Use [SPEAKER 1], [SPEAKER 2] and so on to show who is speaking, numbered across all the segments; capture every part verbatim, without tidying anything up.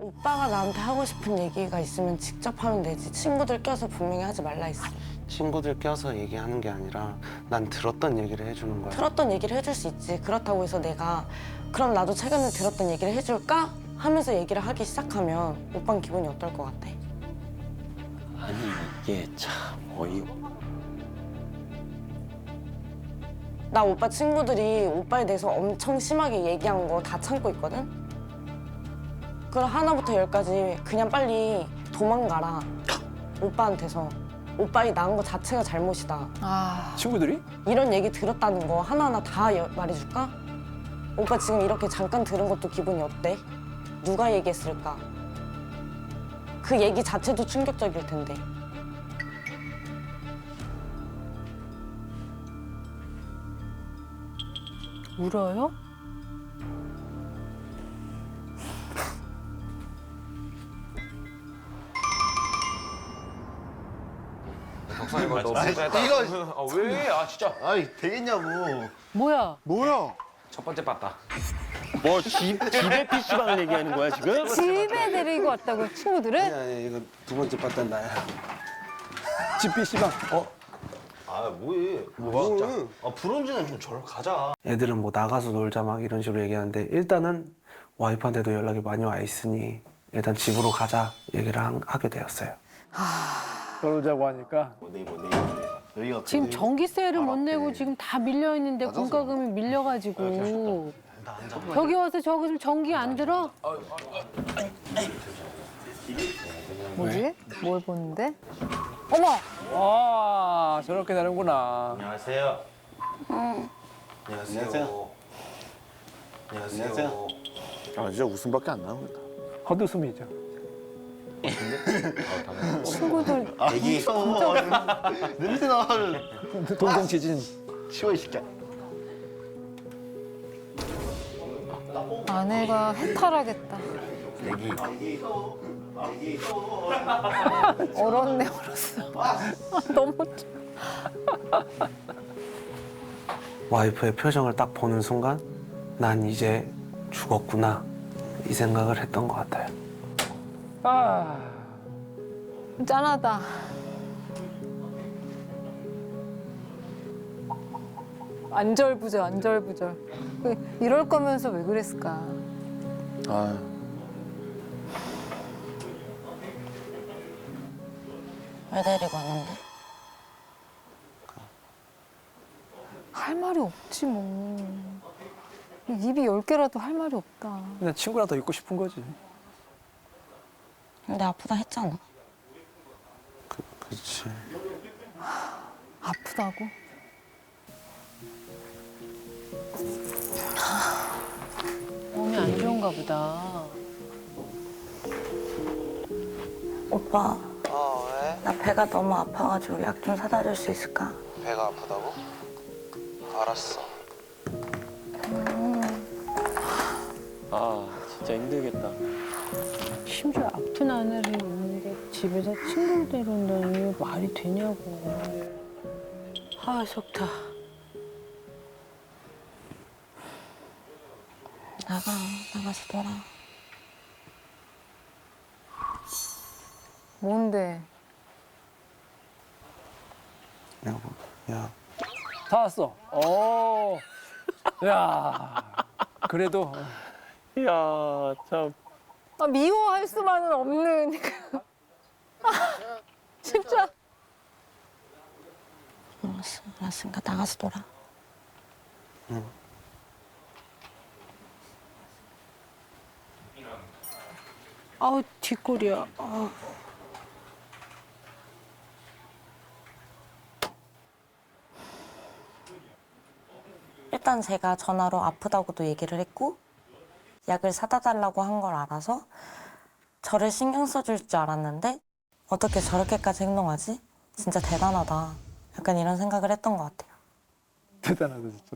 [SPEAKER 1] 오빠가 나한테 하고 싶은 얘기가 있으면 직접 하면 되지. 친구들 껴서 분명히 하지 말라 했어.
[SPEAKER 2] 친구들 껴서 얘기하는 게 아니라 난 들었던 얘기를 해주는 거야.
[SPEAKER 1] 들었던 얘기를 해줄 수 있지. 그렇다고 해서 내가 그럼 나도 최근에 들었던 얘기를 해줄까? 하면서 얘기를 하기 시작하면 오빠는 기분이 어떨 것 같아?
[SPEAKER 3] 아니 이게 참 어이.
[SPEAKER 1] 나 오빠 친구들이 오빠에 대해서 엄청 심하게 얘기한 거 다 참고 있거든? 그럼 하나부터 열까지 그냥 빨리 도망가라. 오빠한테서. 오빠이 낳은 거 자체가 잘못이다.
[SPEAKER 4] 아,
[SPEAKER 5] 친구들이?
[SPEAKER 1] 이런 얘기 들었다는 거 하나하나 다 여- 말해줄까? 오빠 지금 이렇게 잠깐 들은 것도 기분이 어때? 누가 얘기했을까? 그 얘기 자체도 충격적일 텐데.
[SPEAKER 4] 울어요?
[SPEAKER 3] 덕상이 너
[SPEAKER 6] 이거
[SPEAKER 3] 아, 왜? 아 진짜.
[SPEAKER 6] 아이 되겠냐고.
[SPEAKER 4] 뭐야?
[SPEAKER 6] 뭐야?
[SPEAKER 3] 첫 번째 봤다.
[SPEAKER 5] 뭐 집, 집에 피시방을 얘기하는 거야 지금?
[SPEAKER 4] 집에 데리고 왔다고 친구들을?
[SPEAKER 2] 아니 아니 이거 두 번째 봤던 나야.
[SPEAKER 5] 집 피시방. 어?
[SPEAKER 6] 아 뭐해? 뭐가? 아 브론즈는 좀 저러 가자.
[SPEAKER 2] 애들은 뭐 나가서 놀자 막 이런 식으로 얘기하는데 일단은 와이프한테도 연락이 많이 와 있으니 일단 집으로 가자 얘기를 한- 하게 되었어요.
[SPEAKER 5] 그러자고 하니까.
[SPEAKER 6] 뭐 네이버 네이버. 여기가
[SPEAKER 4] 지금
[SPEAKER 6] 네이버.
[SPEAKER 4] 전기세를 못
[SPEAKER 6] 아,
[SPEAKER 4] 내고
[SPEAKER 6] 맞네.
[SPEAKER 4] 지금 다 밀려 있는데
[SPEAKER 6] 맞아서.
[SPEAKER 4] 공과금이 밀려가지고
[SPEAKER 6] 나 앉아.
[SPEAKER 4] 여기 와서 저거 좀 전기 안 들어? 뭐지? 뭘 보는데? 어머!
[SPEAKER 5] 아 저렇게 되는구나.
[SPEAKER 6] 안녕하세요. 안녕하세요. 안녕하세요.
[SPEAKER 7] 아 진짜 웃음밖에 안 나옵니다.
[SPEAKER 5] 헛웃음이죠.
[SPEAKER 4] 친구들
[SPEAKER 6] 애기. 무서워. 냄새 나.
[SPEAKER 5] 동공 지진.
[SPEAKER 6] 치워 이 새끼야.
[SPEAKER 4] 아내가 해탈하겠다.
[SPEAKER 6] 애기.
[SPEAKER 4] 얼었네 얼었어. 너무
[SPEAKER 2] 와이프의 표정을 딱 보는 순간 난 이제 죽었구나 이 생각을 했던 것 같아요.
[SPEAKER 5] 아.
[SPEAKER 4] 짠하다. 안절부절 안절부절. 그, 이럴 거면서 왜 그랬을까?
[SPEAKER 7] 아
[SPEAKER 1] 왜 데리고 왔는데?
[SPEAKER 4] 할 말이 없지 뭐. 입이 열 개라도 할 말이 없다.
[SPEAKER 5] 그냥 친구랑 더 있고 싶은 거지.
[SPEAKER 1] 근데 아프다 했잖아.
[SPEAKER 2] 그렇지.
[SPEAKER 4] 아프다고? 몸이 안 좋은가 보다.
[SPEAKER 1] 오빠,
[SPEAKER 2] 어 왜?
[SPEAKER 1] 나 배가 너무 아파가지고 약 좀 사다 줄 수 있을까?
[SPEAKER 2] 배가 아프다고? 알았어.
[SPEAKER 3] 아 진짜 힘들겠다.
[SPEAKER 4] 심지어 아픈 아내를 있는데 집에서 친구를 데려온다니 이게 말이 되냐고. 아, 좋다.
[SPEAKER 1] 나가, 나가서 놀아.
[SPEAKER 4] 뭔데?
[SPEAKER 2] 여보, 야.
[SPEAKER 5] 다 왔어. 오. 야. 그래도
[SPEAKER 3] 이야 참.
[SPEAKER 4] 아, 미워할 수만은 없는. 아, 진짜.
[SPEAKER 1] 알았어, 알았으니까 나가서 놀아.
[SPEAKER 2] 응.
[SPEAKER 4] 아우, 뒷골이야. 아우.
[SPEAKER 1] 일단 제가 전화로 아프다고도 얘기를 했고 약을 사다 달라고 한 걸 알아서 저를 신경 써줄 줄 알았는데 어떻게 저렇게까지 행동하지? 진짜 대단하다. 약간 이런 생각을 했던 것 같아요.
[SPEAKER 5] 대단하다 진짜.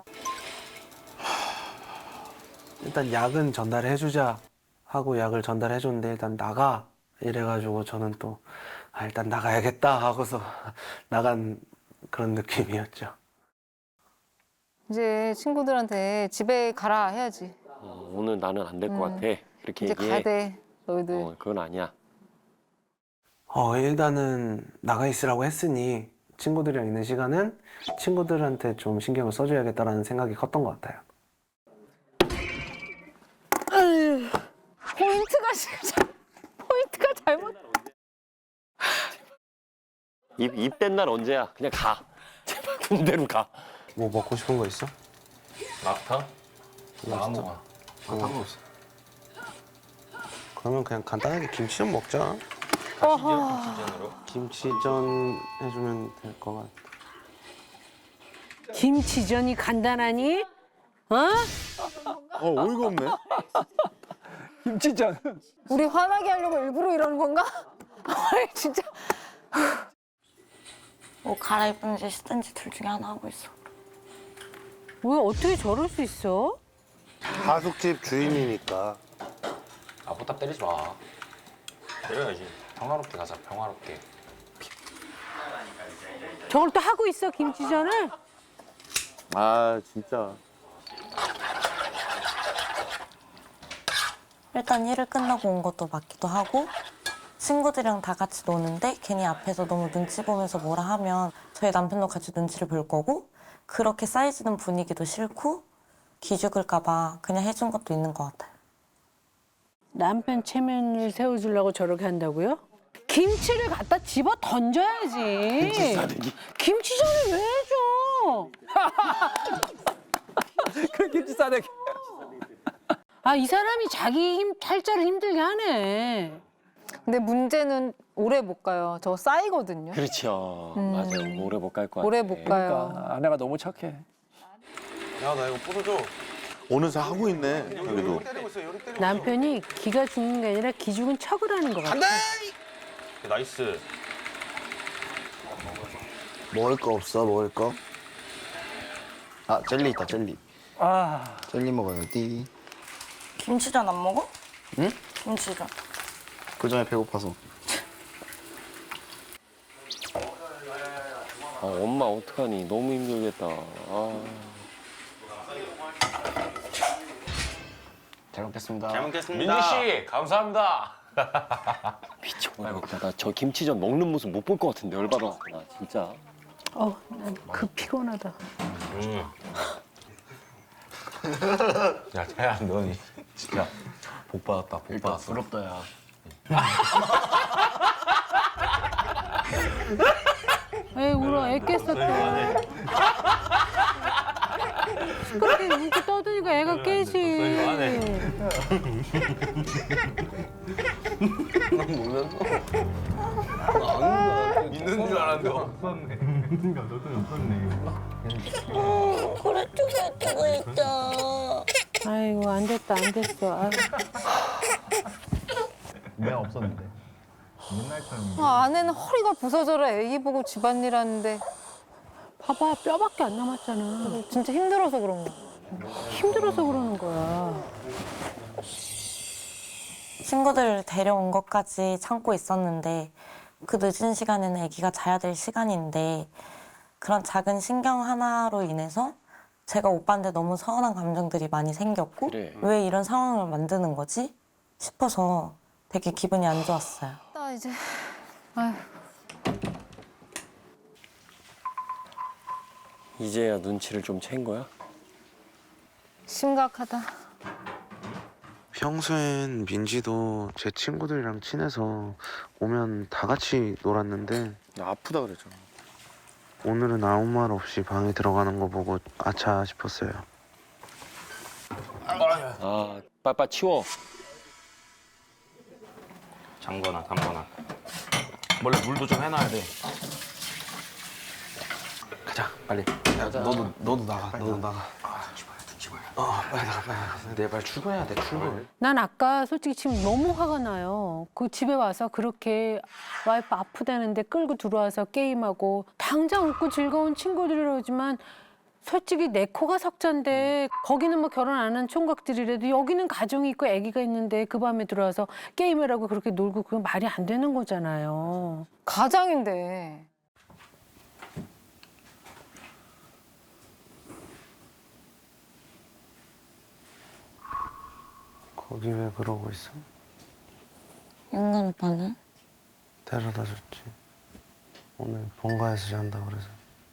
[SPEAKER 2] 일단 약은 전달해주자 하고 약을 전달해줬는데 일단 나가 이래가지고 저는 또 아, 일단 나가야겠다 하고서 나간 그런 느낌이었죠.
[SPEAKER 4] 이제 친구들한테 집에 가라 해야지.
[SPEAKER 3] 어, 오늘 나는 안 될 것
[SPEAKER 4] 음.
[SPEAKER 3] 같아. 이렇게
[SPEAKER 4] 이제
[SPEAKER 3] 얘기해.
[SPEAKER 4] 가야 돼. 너희들.
[SPEAKER 5] 어, 그건 아니야.
[SPEAKER 2] 어, 일단은 나가 있으라고 했으니 친구들이랑 있는 시간은 친구들한테 좀 신경을 써줘야겠다라는 생각이 컸던 것 같아요.
[SPEAKER 4] 포인트가 진짜 포인트가 잘못.
[SPEAKER 5] 입, 입된 날 언제야? 그냥 가. 제발 군대로 가.
[SPEAKER 2] 뭐 먹고 싶은 거 있어?
[SPEAKER 3] 마라탕?
[SPEAKER 2] 나
[SPEAKER 3] 먹어.
[SPEAKER 2] 상관없어. 그러면 그냥 간단하게 김치전 먹자.
[SPEAKER 3] 김치전으로?
[SPEAKER 2] 김치전 해주면 될 것 같아.
[SPEAKER 8] 김치전이 간단하니? 어?
[SPEAKER 7] 어 어이가 없네.
[SPEAKER 3] 김치전.
[SPEAKER 4] 우리 화나게 하려고 일부러 이러는 건가? 아니, 진짜.
[SPEAKER 1] 뭐 갈아입든지 씻든지 둘 중에 하나 하고 있어.
[SPEAKER 8] 왜 어떻게 저럴 수 있어?
[SPEAKER 6] 하숙집 주인이니까.
[SPEAKER 3] 아, 보탑 때리지 마. 때려야지. 평화롭게 가자, 평화롭게.
[SPEAKER 8] 저걸 또 하고 있어 김치전을?
[SPEAKER 7] 아 진짜.
[SPEAKER 1] 일단 일을 끝나고 온 것도 맞기도 하고 친구들이랑 다 같이 노는데 괜히 앞에서 너무 눈치 보면서 뭐라 하면 저희 남편도 같이 눈치를 볼 거고 그렇게 쌓이지는 분위기도 싫고 기죽을까 봐 그냥 해준 것도 있는 것 같아요.
[SPEAKER 8] 남편 체면을 세워주려고 저렇게 한다고요? 김치를 갖다 집어 던져야지. 김치 싸대기. 김치전을 왜 해줘?
[SPEAKER 3] 그 김치 싸대기.
[SPEAKER 8] 아, 이 사람이 자기 힘 탈자를 힘들게 하네.
[SPEAKER 4] 근데 문제는 오래 못 가요. 저거 쌓이거든요.
[SPEAKER 5] 그렇죠.
[SPEAKER 4] 음.
[SPEAKER 5] 맞아요. 오래 못 갈 거야.
[SPEAKER 4] 오래 못 가요.
[SPEAKER 3] 그러니까 아내가 너무 착해.
[SPEAKER 2] 야, 나 이거 뿌려줘.
[SPEAKER 7] 어느새 하고 있네. 그래도.
[SPEAKER 2] 때리고 있어, 여기 때리고
[SPEAKER 8] 남편이 기가 죽는 게 아니라 기죽은 척을 하는 것 같아.
[SPEAKER 3] 나이스.
[SPEAKER 6] 먹을 거 없어, 먹을 거? 아, 젤리 있다, 젤리.
[SPEAKER 3] 아.
[SPEAKER 6] 젤리 먹어야지.
[SPEAKER 1] 김치전 안 먹어?
[SPEAKER 6] 응?
[SPEAKER 1] 김치전.
[SPEAKER 6] 그 전에 배고파서.
[SPEAKER 5] 아, 엄마 어떡하니? 너무 힘들겠다. 아.
[SPEAKER 6] 잘 먹겠습니다.
[SPEAKER 3] 잘 먹겠습니다. 민지 씨, 감사합니다.
[SPEAKER 5] 미쳐버리겠다. 나 저 김치전 먹는 모습 못 볼 것 같은데 열받아. 나 진짜.
[SPEAKER 8] 어, 난 그 피곤하다.
[SPEAKER 3] 음. 야, 태야, 넌 진짜 복 받았다. 복 받았어.
[SPEAKER 6] 부럽다, 야.
[SPEAKER 8] 에이, 울어. 애 깼었다. 그렇게 웃고 떠드니까 애가 깨지.
[SPEAKER 3] 있는 줄 알았는데.
[SPEAKER 1] 그래 쪽에 뜨고 있어.
[SPEAKER 8] 아이고, 안 됐다, 안 됐어. 아.
[SPEAKER 4] 아, 아내는 허리가 부서져라 애기 보고 집안일 하는데
[SPEAKER 8] 봐봐, 뼈밖에 안 남았잖아.
[SPEAKER 4] 진짜 힘들어서 그런 거.
[SPEAKER 8] 힘들어서 그러는 거야.
[SPEAKER 1] 친구들 데려온 것까지 참고 있었는데 그 늦은 시간에는 아기가 자야 될 시간인데 그런 작은 신경 하나로 인해서 제가 오빠한테 너무 서운한 감정들이 많이 생겼고
[SPEAKER 5] 그래.
[SPEAKER 1] 왜 이런 상황을 만드는 거지 싶어서 되게 기분이 안 좋았어요.
[SPEAKER 4] 나 이제 아휴.
[SPEAKER 5] 이제야 눈치를 좀 챈 거야?
[SPEAKER 4] 심각하다.
[SPEAKER 2] 평소엔 민지도 제 친구들이랑 친해서 오면 다 같이 놀았는데
[SPEAKER 7] 나 아프다 그랬잖아.
[SPEAKER 2] 오늘은 아무 말 없이 방에 들어가는 거 보고 아차 싶었어요.
[SPEAKER 5] 아, 빨빨 치워.
[SPEAKER 3] 잠거나 담거나. 원래 물도 좀 해놔야 돼.
[SPEAKER 2] 가자, 빨리. 야, 너도 너도 나가, 너도 나가. 아, 출발, 출발. 어, 빨리 나가, 빨리 나가. 내일 빨리 출근해야 돼, 출근.
[SPEAKER 8] 난 아까 솔직히 지금 너무 화가 나요. 그 집에 와서 그렇게 와이프 아프다는데 끌고 들어와서 게임하고 당장 웃고 즐거운 친구들이라지만 솔직히 내 코가 석잔데 거기는 뭐 결혼 안 한 총각들이라도 여기는 가정이 있고 아기가 있는데 그 밤에 들어와서 게임을 하고 그렇게 놀고 그건 말이 안 되는 거잖아요.
[SPEAKER 4] 가장인데.
[SPEAKER 2] 거기 왜 그러고 있어?
[SPEAKER 1] 윤건 오빠는?
[SPEAKER 2] 데려다 줬지. 오늘 본가에서 잔다 그래서.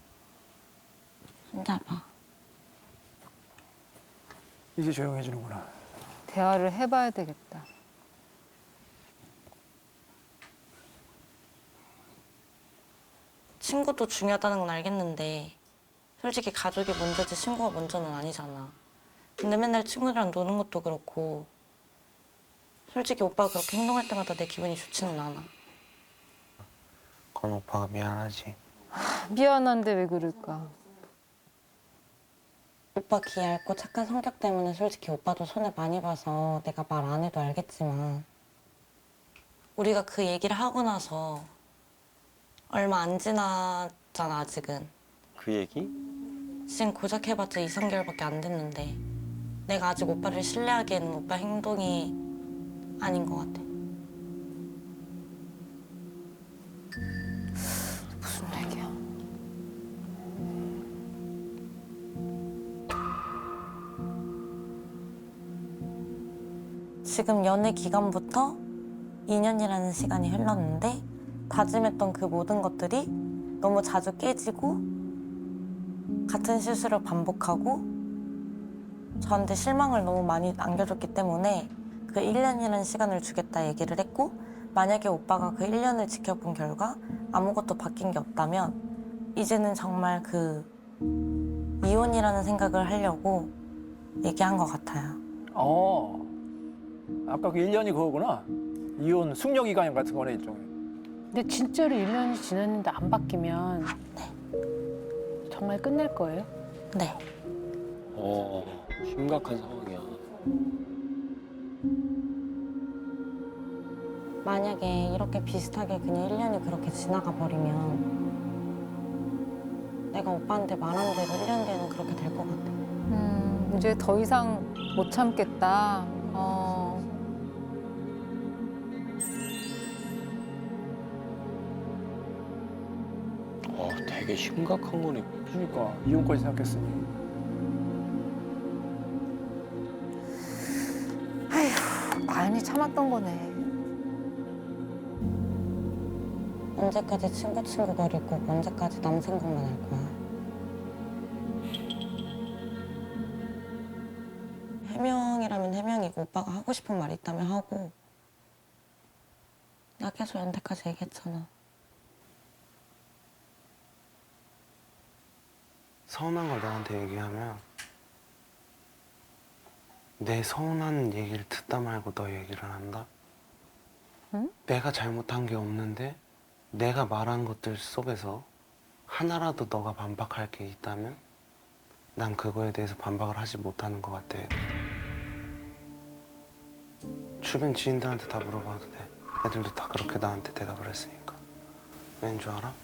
[SPEAKER 1] 손잡아.
[SPEAKER 9] 이제 조용해지는구나.
[SPEAKER 4] 대화를 해봐야 되겠다.
[SPEAKER 1] 친구도 중요하다는 건 알겠는데 솔직히 가족이 먼저지 친구가 먼저는 아니잖아. 근데 맨날 친구들이랑 노는 것도 그렇고 솔직히 오빠가 그렇게 행동할 때마다 내 기분이 좋지는 않아.
[SPEAKER 2] 건 오빠가 미안하지.
[SPEAKER 4] 미안한데 왜 그럴까?
[SPEAKER 1] 오빠 기 얇고 착한 성격 때문에 솔직히 오빠도 손해 많이 봐서 내가 말 안 해도 알겠지만 우리가 그 얘기를 하고 나서 얼마 안 지났잖아 아직은.
[SPEAKER 5] 그 얘기?
[SPEAKER 1] 지금 고작 해봤자 이, 삼 개월밖에 안 됐는데 내가 아직 오빠를 신뢰하기에는 오빠 행동이 아닌 것 같아.
[SPEAKER 4] 무슨 얘기야?
[SPEAKER 1] 지금 연애 기간부터 이 년이라는 시간이 흘렀는데 다짐했던 그 모든 것들이 너무 자주 깨지고 같은 실수를 반복하고 저한테 실망을 너무 많이 안겨줬기 때문에 그 일 년이라는 시간을 주겠다 얘기를 했고 만약에 오빠가 그 일 년을 지켜본 결과 아무것도 바뀐 게 없다면 이제는 정말 그 이혼이라는 생각을 하려고 얘기한 것 같아요.
[SPEAKER 9] 어. 아까 그 일 년이 그거구나. 이혼 숙려 기간 같은 거네 일종의.
[SPEAKER 8] 근데 진짜로 일 년이 지났는데 안 바뀌면 정말 끝낼 거예요?
[SPEAKER 1] 네.
[SPEAKER 5] 어, 심각한 상황이야.
[SPEAKER 1] 만약에 이렇게 비슷하게 그냥 일 년이 그렇게 지나가 버리면 내가 오빠한테 말한 대로 일 년 뒤에는 그렇게 될 것 같아.
[SPEAKER 4] 음, 이제 더 이상 못 참겠다. 어.
[SPEAKER 5] 어, 되게 심각한 거네.
[SPEAKER 9] 그러니까 이혼까지 생각했으니.
[SPEAKER 4] 많이 참았던 거네.
[SPEAKER 1] 언제까지 친구 친구 거리고 언제까지 남 생각만 할 거야. 해명이라면 해명이고 오빠가 하고 싶은 말 있다면 하고 나 계속 연대까지 얘기했잖아.
[SPEAKER 2] 서운한 걸 너한테 얘기하면 내 서운한 얘기를 듣다 말고 너 얘기를 한다?
[SPEAKER 4] 응?
[SPEAKER 2] 내가 잘못한 게 없는데 내가 말한 것들 속에서 하나라도 너가 반박할 게 있다면 난 그거에 대해서 반박을 하지 못하는 것 같아. 주변 지인들한테 다 물어봐도 돼. 애들도 다 그렇게 나한테 대답을 했으니까. 왠 줄 알아?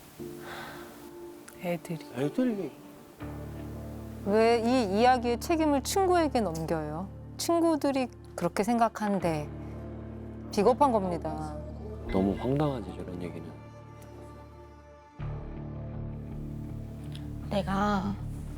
[SPEAKER 8] 애들이.
[SPEAKER 5] 애들이.
[SPEAKER 4] 왜 이 이야기의 책임을 친구에게 넘겨요? 친구들이 그렇게 생각한데 비겁한 겁니다.
[SPEAKER 5] 너무 황당하지, 저런 얘기는.
[SPEAKER 1] 내가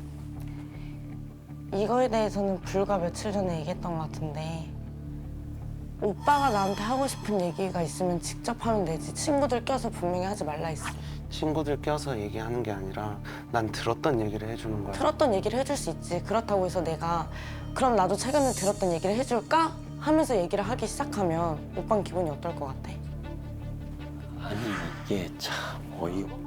[SPEAKER 1] 이거에 대해서는 불과 며칠 전에 얘기했던 것 같은데 오빠가 나한테 하고 싶은 얘기가 있으면 직접 하면 되지 친구들 껴서 분명히 하지 말라 했어.
[SPEAKER 2] 친구들 껴서 얘기하는 게 아니라 난 들었던 얘기를 해주는 거야.
[SPEAKER 1] 들었던 얘기를 해줄 수 있지. 그렇다고 해서 내가 그럼 나도 최근에 들었던 얘기를 해줄까? 하면서 얘기를 하기 시작하면 오빠는 기분이 어떨 것 같아?
[SPEAKER 5] 아니, 이게 참 어이없.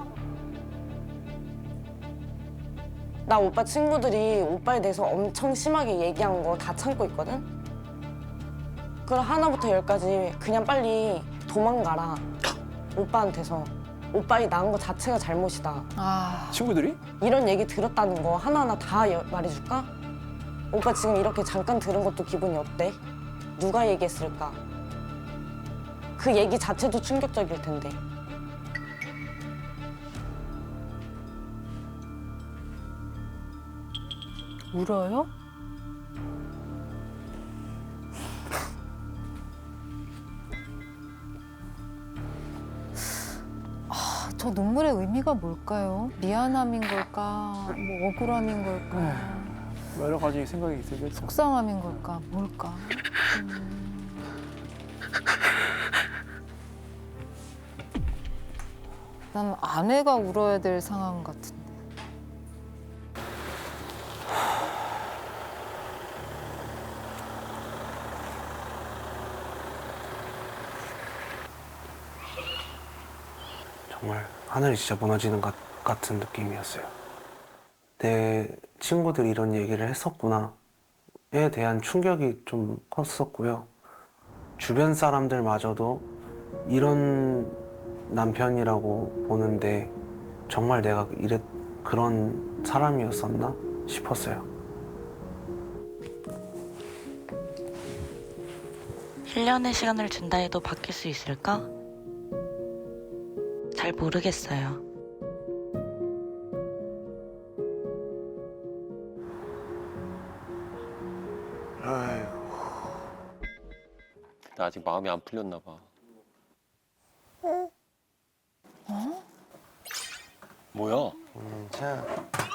[SPEAKER 1] 나 오빠 친구들이 오빠에 대해서 엄청 심하게 얘기한 거 다 참고 있거든? 그럼 하나부터 열까지 그냥 빨리 도망가라. 오빠한테서. 오빠이 낳은 거 자체가 잘못이다.
[SPEAKER 4] 아,
[SPEAKER 9] 친구들이?
[SPEAKER 1] 이런 얘기 들었다는 거 하나하나 다 여- 말해줄까? 오빠 지금 이렇게 잠깐 들은 것도 기분이 어때? 누가 얘기했을까? 그 얘기 자체도 충격적일 텐데.
[SPEAKER 8] 울어요?
[SPEAKER 4] 저 눈물의 의미가 뭘까요? 미안함인 걸까? 뭐 억울함인 걸까?
[SPEAKER 9] 뭐 여러 가지 생각이 들겠죠.
[SPEAKER 4] 속상함인 걸까? 뭘까? 난 아내가 울어야 될 상황 같은데.
[SPEAKER 2] 정말 하늘이 진짜 무너지는 것 같은 느낌이었어요. 내 친구들이 이런 얘기를 했었구나에 대한 충격이 좀 컸었고요. 주변 사람들마저도 이런 남편이라고 보는데 정말 내가 이랬 그런 사람이었었나 싶었어요.
[SPEAKER 1] 일 년의 시간을 준다 해도 바뀔 수 있을까? 잘 모르겠어요.
[SPEAKER 5] 나 아직 마음이 안 풀렸나 봐. 뭐야?
[SPEAKER 2] 음, 자,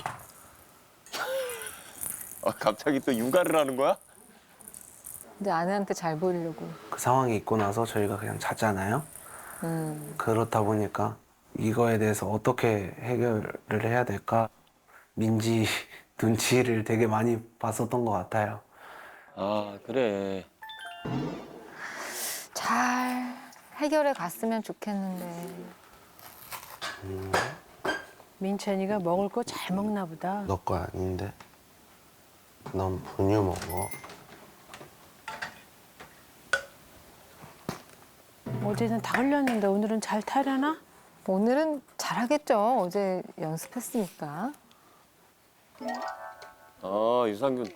[SPEAKER 5] 아, 갑자기 또 육아를 하는 거야?
[SPEAKER 4] 근데 아내한테 잘 보이려고.
[SPEAKER 2] 그 상황이 있고 나서 저희가 그냥 잤잖아요.
[SPEAKER 4] 음.
[SPEAKER 2] 그렇다 보니까 이거에 대해서 어떻게 해결을 해야 될까 민지 눈치를 되게 많이 봤었던 것 같아요.
[SPEAKER 5] 아, 그래.
[SPEAKER 4] 잘 해결해 갔으면 좋겠는데.
[SPEAKER 8] 민찬이가 먹을 거 잘 먹나 보다.
[SPEAKER 2] 너 거 아닌데 넌 분유 먹어.
[SPEAKER 8] 어제는 다 흘렸는데 오늘은 잘 타려나?
[SPEAKER 4] 오늘은 잘하겠죠. 어제 연습했으니까.
[SPEAKER 5] 아, 유산균.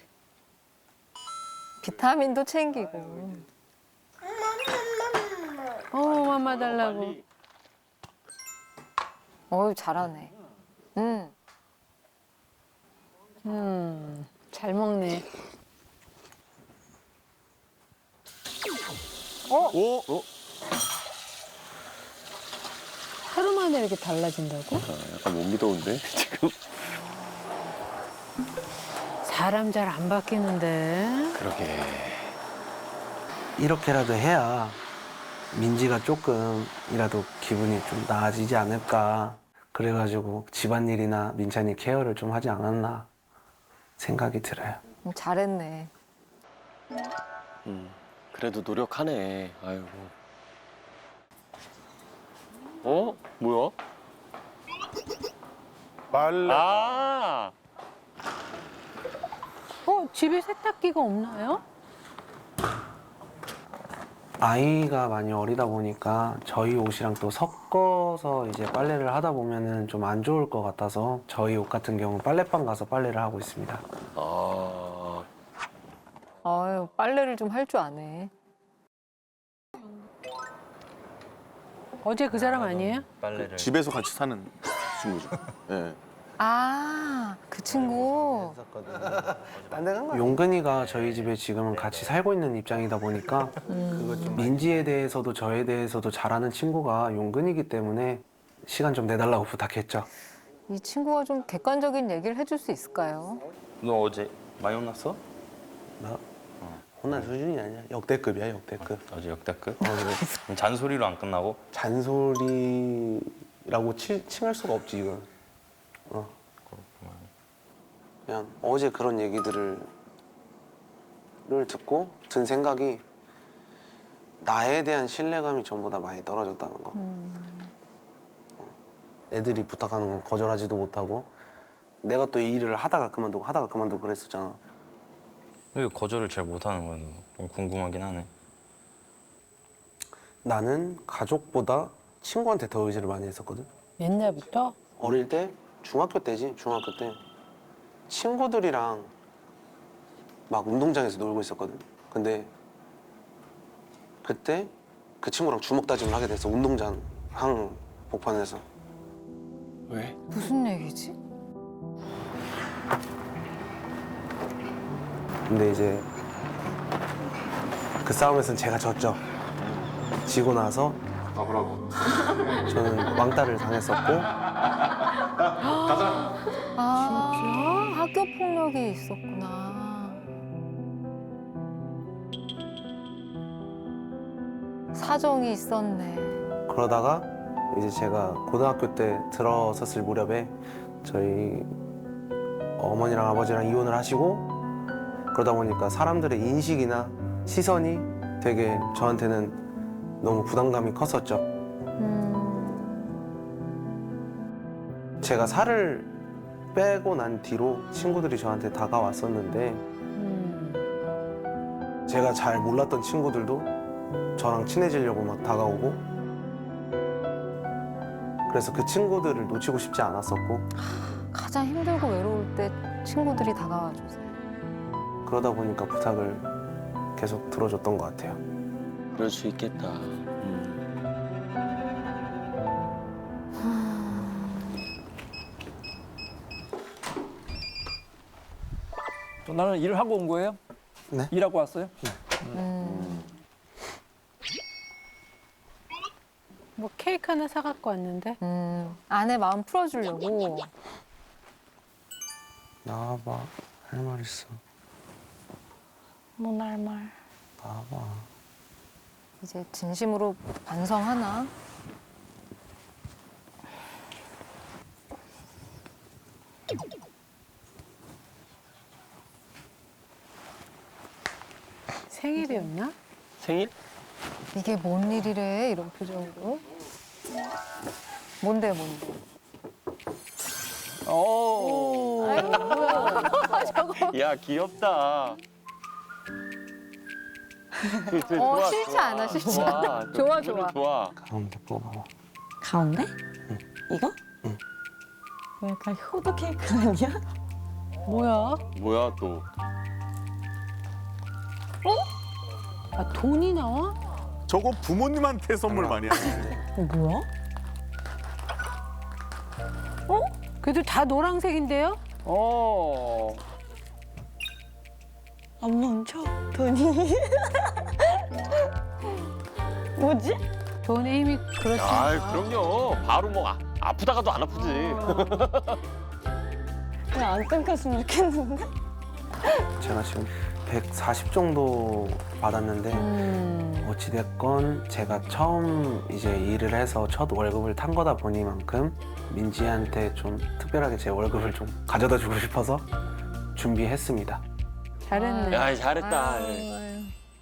[SPEAKER 4] 비타민도 챙기고.
[SPEAKER 8] 어, 맘마 달라고.
[SPEAKER 4] 어유 잘하네. 응.
[SPEAKER 8] 음, 잘 먹네.
[SPEAKER 5] 오, 어?
[SPEAKER 8] 하루 만에 이렇게 달라진다고?
[SPEAKER 5] 아, 약간 못 믿어온데 지금.
[SPEAKER 8] 사람 잘 안 바뀌는데.
[SPEAKER 5] 그러게.
[SPEAKER 2] 이렇게라도 해야 민지가 조금이라도 기분이 좀 나아지지 않을까. 그래가지고 집안일이나 민찬이 케어를 좀 하지 않았나 생각이 들어요.
[SPEAKER 4] 음, 잘했네.
[SPEAKER 5] 음, 그래도 노력하네. 아이고. 어? 뭐야?
[SPEAKER 7] 빨래.
[SPEAKER 5] 아,
[SPEAKER 8] 어, 집에 세탁기가 없나요?
[SPEAKER 2] 아이가 많이 어리다 보니까 저희 옷이랑 또 섞어서 이제 빨래를 하다 보면은 좀 안 좋을 것 같아서 저희 옷 같은 경우 빨래방 가서 빨래를 하고 있습니다.
[SPEAKER 5] 아,
[SPEAKER 4] 아유, 빨래를 좀 할 줄 아네.
[SPEAKER 8] 어제 그 사람 아니에요?
[SPEAKER 3] 빨래를.
[SPEAKER 7] 집에서 같이 사는 친구죠. 예.
[SPEAKER 4] 아, 그 친구.
[SPEAKER 2] 용근이가 저희 집에 지금은 같이 살고 있는 입장이다 보니까 민지에 대해서도 저에 대해서도 잘 아는 친구가 용근이기 때문에 시간 좀 내달라고 부탁했죠.
[SPEAKER 4] 이 친구가 좀 객관적인 얘기를 해줄 수 있을까요?
[SPEAKER 3] 너 어제 많이 혼났어?
[SPEAKER 2] 나 혼난 수준이 아니야. 역대급이야, 역대급.
[SPEAKER 3] 어제 역대급?
[SPEAKER 2] 어, 그래.
[SPEAKER 3] 그럼 잔소리로 안 끝나고?
[SPEAKER 2] 잔소리라고 치, 칭할 수가 없지, 이건. 어. 그냥 어제 그런 얘기들을 를 듣고 든 생각이 나에 대한 신뢰감이 전보다 많이 떨어졌다는 거. 애들이 부탁하는 건 거절하지도 못하고 내가 또 이 일을 하다가 그만두고 하다가 그만두고 그랬었잖아.
[SPEAKER 3] 왜 거절을 잘 못하는 거야? 너? 좀 궁금하긴 하네.
[SPEAKER 2] 나는 가족보다 친구한테 더 의지를 많이 했었거든.
[SPEAKER 8] 옛날부터?
[SPEAKER 2] 어릴 때 중학교 때지 중학교 때 친구들이랑 막 운동장에서 놀고 있었거든. 근데 그때 그 친구랑 주먹 다짐을 하게 됐어. 운동장 한복판에서.
[SPEAKER 5] 왜?
[SPEAKER 4] 무슨 얘기지?
[SPEAKER 2] 근데 이제 그 싸움에서는 제가 졌죠. 지고 나서 저는 왕따를 당했었고
[SPEAKER 4] 아, 학교 폭력이 있었구나. 사정이 있었네.
[SPEAKER 2] 그러다가 이제 제가 고등학교 때 들어섰을 무렵에 저희 어머니랑 아버지랑 이혼을 하시고 그러다 보니까 사람들의 인식이나 시선이 되게 저한테는 너무 부담감이 컸었죠. 제가 살을 빼고 난 뒤로 친구들이 저한테 다가왔었는데 제가 잘 몰랐던 친구들도 저랑 친해지려고 막 다가오고 그래서 그 친구들을 놓치고 싶지 않았었고
[SPEAKER 4] 가장 힘들고 외로울 때 친구들이 다가와 주세요.
[SPEAKER 2] 그러다 보니까 부탁을 계속 들어줬던 것 같아요.
[SPEAKER 5] 그럴 수 있겠다.
[SPEAKER 9] 또 나는 일을 하고 온 거예요?
[SPEAKER 2] 네.
[SPEAKER 9] 일하고 왔어요?
[SPEAKER 8] 뭐 케이크 하나 사갖고 왔는데.
[SPEAKER 4] 음, 아내 마음 풀어주려고.
[SPEAKER 2] 나와봐. 할 말 있어.
[SPEAKER 1] 뭐 할 말.
[SPEAKER 2] 나와봐.
[SPEAKER 4] 이제 진심으로 반성하나?
[SPEAKER 8] 생일이었나?
[SPEAKER 5] 생일?
[SPEAKER 4] 이게 뭔 일이래? 이런 표정으로. 뭔데 뭔데?
[SPEAKER 5] 오. 야 귀엽다. 그, 그,
[SPEAKER 4] 어,
[SPEAKER 5] 좋아,
[SPEAKER 4] 싫지
[SPEAKER 5] 좋아.
[SPEAKER 4] 않아, 싫지
[SPEAKER 5] 좋아.
[SPEAKER 4] 않아.
[SPEAKER 5] 그
[SPEAKER 4] 좋아,
[SPEAKER 5] 기분은
[SPEAKER 4] 좋아.
[SPEAKER 5] 좋아.
[SPEAKER 2] 가운데 뽑아봐.
[SPEAKER 1] 가운데?
[SPEAKER 2] 응.
[SPEAKER 1] 이거?
[SPEAKER 2] 응.
[SPEAKER 1] 뭐 약간 효도 케이크 아니야?
[SPEAKER 8] 뭐야?
[SPEAKER 5] 뭐야 또?
[SPEAKER 8] 아, 돈이 나와?
[SPEAKER 7] 저거 부모님한테 선물 많이 하네.
[SPEAKER 1] 어, 뭐야?
[SPEAKER 8] 그래도 다 노란색인데요?
[SPEAKER 5] 어.
[SPEAKER 1] 안 멈춰, 돈이. 뭐지?
[SPEAKER 8] 돈의 힘이 그렇습니다.
[SPEAKER 5] 아 그럼요. 바로 뭐 아, 아프다가도 안 아프지.
[SPEAKER 1] 그냥 안 끊겼으면 좋겠는데?
[SPEAKER 2] 제가 지금 백사십 정도 받았는데 어찌됐건 제가 처음 이제 일을 해서 첫 월급을 탄 거다 보니만큼 민지한테 좀 특별하게 제 월급을 좀 가져다 주고 싶어서 준비했습니다.
[SPEAKER 8] 잘했네.
[SPEAKER 5] 야 잘했다.
[SPEAKER 4] 아유.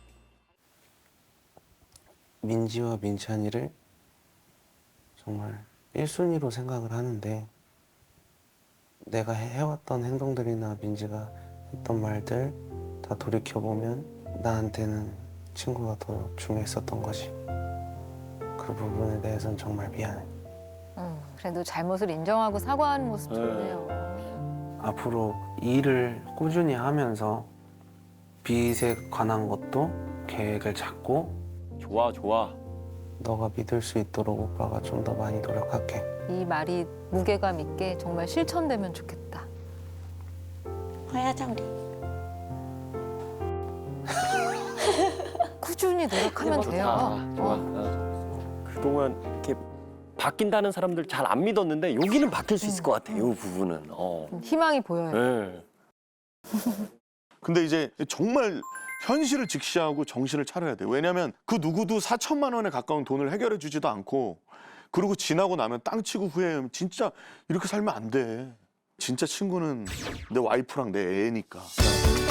[SPEAKER 2] 민지와 민찬이를 정말 일 순위로 생각을 하는데 내가 해- 해왔던 행동들이나 민지가 했던 말들 다 돌이켜보면 나한테는 친구가 더 중요했었던 거지. 그 부분에 대해서는 정말 미안해.
[SPEAKER 4] 음, 그래도 잘못을 인정하고 사과하는 모습 좋네요.
[SPEAKER 2] 앞으로 일을 꾸준히 하면서 빚에 관한 것도 계획을 잡고
[SPEAKER 5] 좋아 좋아.
[SPEAKER 2] 너가 믿을 수 있도록 오빠가 좀 더 많이 노력할게.
[SPEAKER 4] 이 말이 무게감 있게 정말 실천되면 좋겠다.
[SPEAKER 1] 화야자 우리.
[SPEAKER 4] 꾸준히 노력하면
[SPEAKER 5] 좋다.
[SPEAKER 4] 돼요.
[SPEAKER 5] 좋아.
[SPEAKER 4] 어.
[SPEAKER 5] 어. 그동안 이렇게 바뀐다는 사람들 잘 안 믿었는데 여기는 바뀔 수 있을 것 같아. 이 부분은. 어.
[SPEAKER 4] 희망이 보여요.
[SPEAKER 5] 네.
[SPEAKER 7] 근데 이제 정말 현실을 직시하고 정신을 차려야 돼. 왜냐면 그 누구도 사천만 원에 가까운 돈을 해결해 주지도 않고 그리고 지나고 나면 땅 치고 후회하면 진짜 이렇게 살면 안 돼. 진짜 친구는 내 와이프랑 내 애니까.